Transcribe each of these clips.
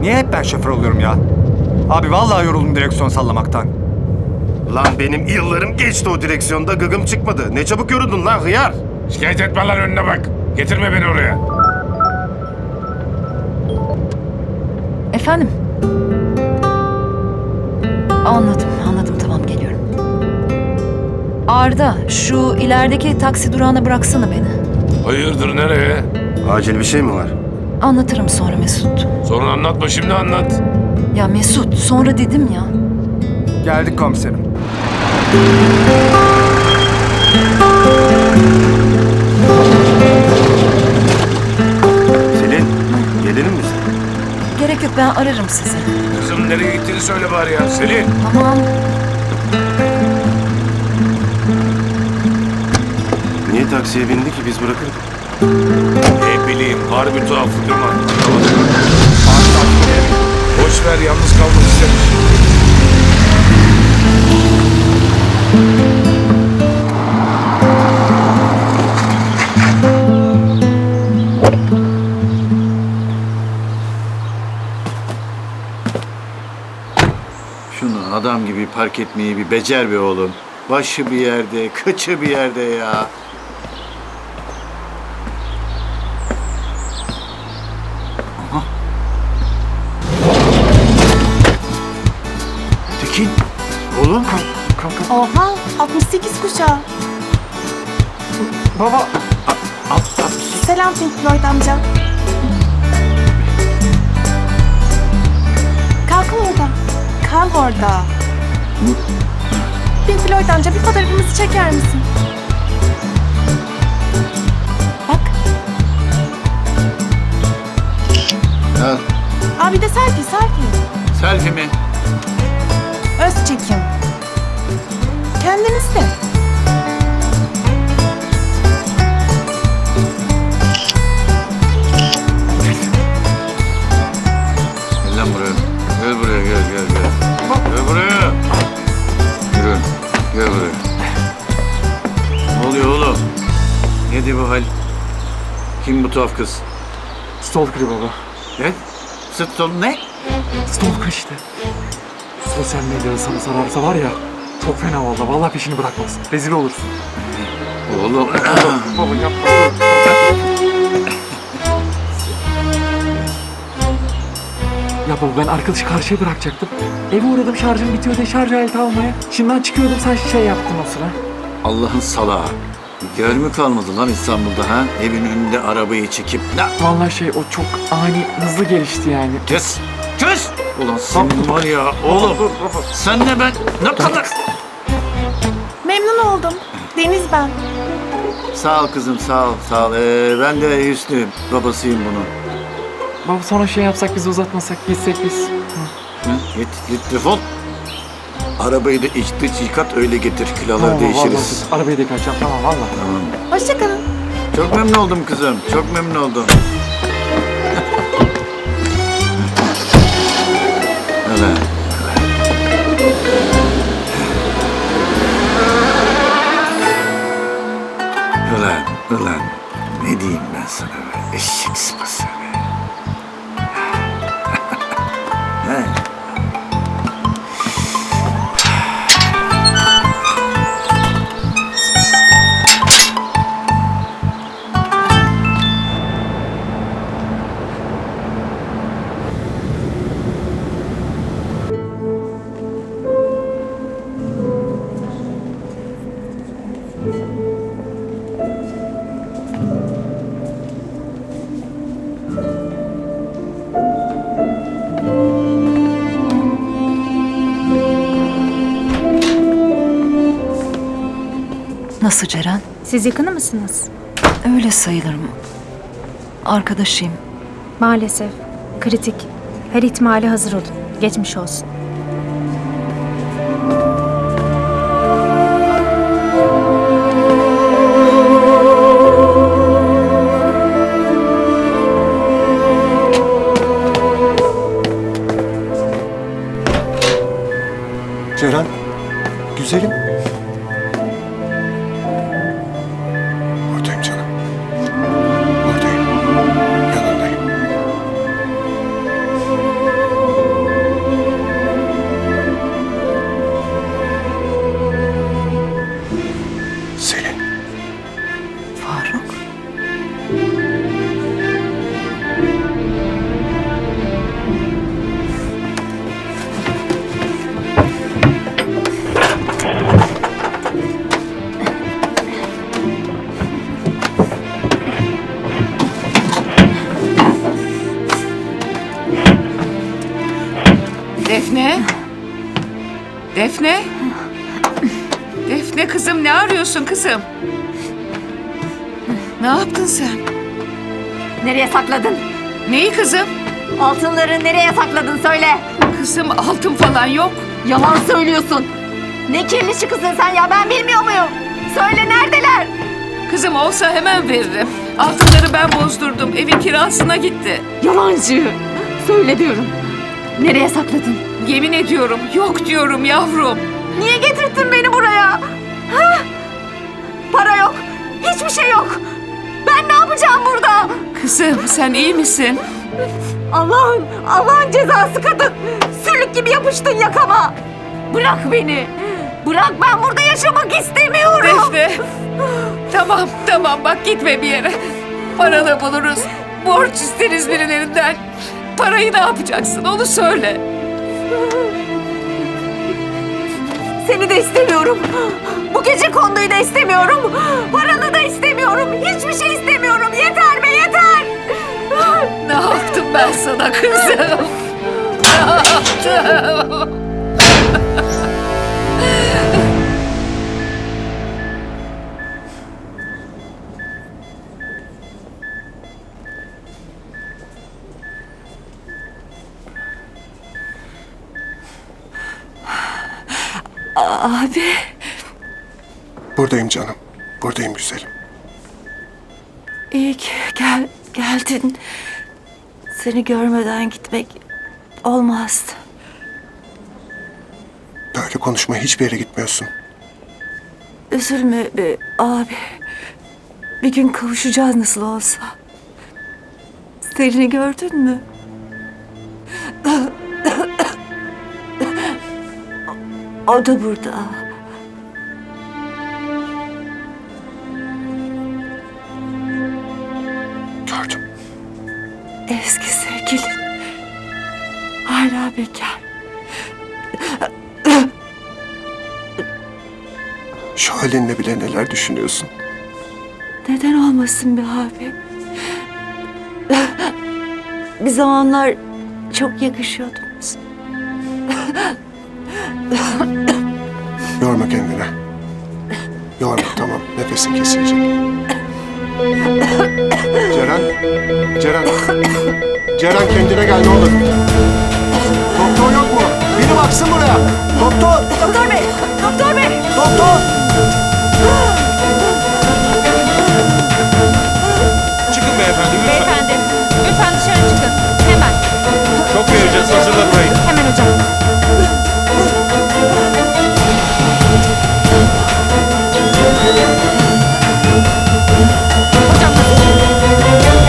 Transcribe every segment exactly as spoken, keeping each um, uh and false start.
Niye hep ben şoför oluyorum ya? Abi vallahi yoruldum direksiyon sallamaktan. Lan benim yıllarım geçti o direksiyonda, gıgım çıkmadı. Ne çabuk yoruldun lan hıyar. Şikayet etme lan, önüne bak. Getirme beni oraya. Efendim? Anladım, anladım. Tamam, geliyorum. Arda, şu ilerideki taksi durağına bıraksana beni. Hayırdır, nereye? Acil bir şey mi var? Anlatırım sonra Mesut. Sorun anlatma, şimdi anlat. Ya Mesut, sonra dedim ya. Geldik komiserim. Selin, gelelim mi sen? Gerek yok, ben ararım sizi. Kızım nereye gittiğini söyle bari ya. Selin. Tamam. Niye taksiye bindi ki, biz bırakırdık? Ne bileyim, harbi tuhaf değil mi? Boş ver, yalnız kalmak istemiş. Şunu adam gibi park etmeyi bir becer be oğlum. Başı bir yerde, kıçı bir yerde ya. Aha. Tekin, oğlum. Oha, altmış sekiz kuşağı. Baba. Al, al. Selam Pink Floyd amca. Kalk orada. Kal orada. Pink Floyd amca, bir fotoğrafımızı çeker misin? Bak. Al. Abi de selfie, selfie. Selfie mi? Öz çekim. Kendiniz de. Gel lan buraya. Gel buraya, gel, gel, gel. Gel buraya. Yürü, gel buraya. Ne oluyor oğlum? Nedir bu hal? Kim bu tuhaf kız? Stalker baba. Ne? Sıt ne? Stalker işte. Sosyal medyada sana sararsa var ya, çok fena valla. Vallahi peşini bırakmaz. Rezil olursun. Oğlum. Baba yapma. Ya baba, ben arkadaşı karşıya bırakacaktım. Eve uğradım, şarjım bitiyor diye şarj aleti almaya. Şimdiden çıkıyordum, sen şey yaptın o sıra. Allah'ın salağı. Yer mi kalmadı lan İstanbul'da ha? Evin önünde arabayı çekip... Ne? Vallahi şey, o çok ani, hızlı gelişti yani. Kes! Kes! Ulan senin var ya oğlum. Senle ben ne kadar... Memnun oldum. Deniz ben. Sağ ol kızım, sağ ol, sağ ol. Ee, ben de Hüsnü, babasıyım bunun. Baba sonra şey yapsak, biz uzatmasak, gitsek biz. Hı? Git, git defol. Arabayı da iç dış yıkat, öyle getir. Kiloları Tamam, değişiriz. vallahi, arabayı da yıkayacağım, tamam valla. Tamam. Hoşça kalın. Çok memnun oldum kızım, çok memnun oldum. Evet. Ulan, ulan ne diyeyim ben sana be, eşek sıpası be. He. Nasıl Ceren? Siz yakını mısınız? Öyle sayılırım. Arkadaşıyım. Maalesef. Kritik. Her ihtimale hazır olun. Geçmiş olsun. Ceren. Güzelim. Buradayım canım. Buradayım. Yanındayım. Defne? Defne? Defne kızım, ne arıyorsun kızım? Ne yaptın sen? Nereye sakladın? Neyi kızım? Altınları nereye sakladın söyle. Kızım, altın falan yok. Yalan söylüyorsun. Ne kirli çıkısın sen ya, ben bilmiyor muyum? Söyle, neredeler? Kızım, olsa hemen veririm. Altınları ben bozdurdum. Evin kirasına gitti. Yalancı. Söyle diyorum. Nereye sakladın? Yemin ediyorum, yok diyorum yavrum. Niye getirdin beni buraya? Ha? Para yok. Hiçbir şey yok. Ben ne yapacağım burada? Kızım, sen iyi misin? Allah'ın, Allah'ın cezası kadın. Sülük gibi yapıştın yakama. Bırak beni. Bırak, ben burada yaşamak istemiyorum. Defne. Tamam, tamam, bak gitme bir yere. Paranı buluruz. Borç isteriz birilerinden. Parayı ne yapacaksın, onu söyle. Seni de istemiyorum. Bu gece konduyu da istemiyorum. Paranı da istemiyorum. Hiçbir şey istemiyorum. Yeter be, yeter. Ne yaptım ben sana kızım? Ne yaptım? Abi. Buradayım canım. Buradayım güzelim. İyi ki gel, geldin. Seni görmeden gitmek olmazdı. Böyle konuşma, hiçbir yere gitmiyorsun. Üzülme be abi. Bir gün kavuşacağız nasıl olsa. Selin'i gördün mü? O da burada. Gördüm. Eski sevgilin. Hala bekar. Şu halinle bile neler düşünüyorsun? Neden olmasın be abi? Bir zamanlar çok yakışıyordunuz. Yorma kendini. Yorma, tamam. Nefesin kesilecek. Ceren. Ceren. Ceren, kendine gel ne olur. Doktor yok mu? Biri baksın buraya. Doktor. Doktor bey, doktor bey. Doktor. Çıkın beyefendi lütfen. Beyefendi, lütfen dışarı çıkın. Hemen. Çok vereceğiz, hazırla burayı. Hemen hocam. Hocam nasıl?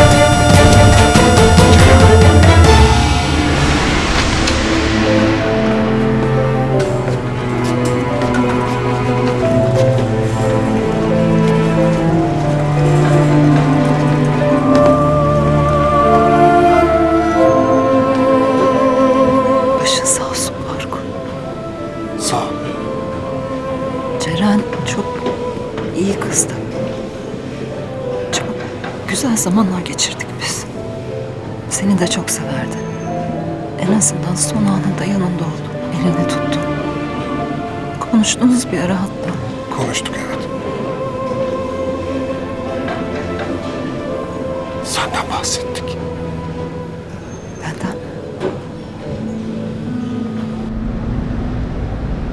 Başın sağ olsun Faruk. Sağ ol. Ceren çok iyi kızdı. Çok güzel zamanlar geçirdik biz. Seni de çok severdi. En azından son anında yanında oldum. Elini tuttum. Konuştunuz bir ara hatta. Konuştuk, evet. Senden bahsettik.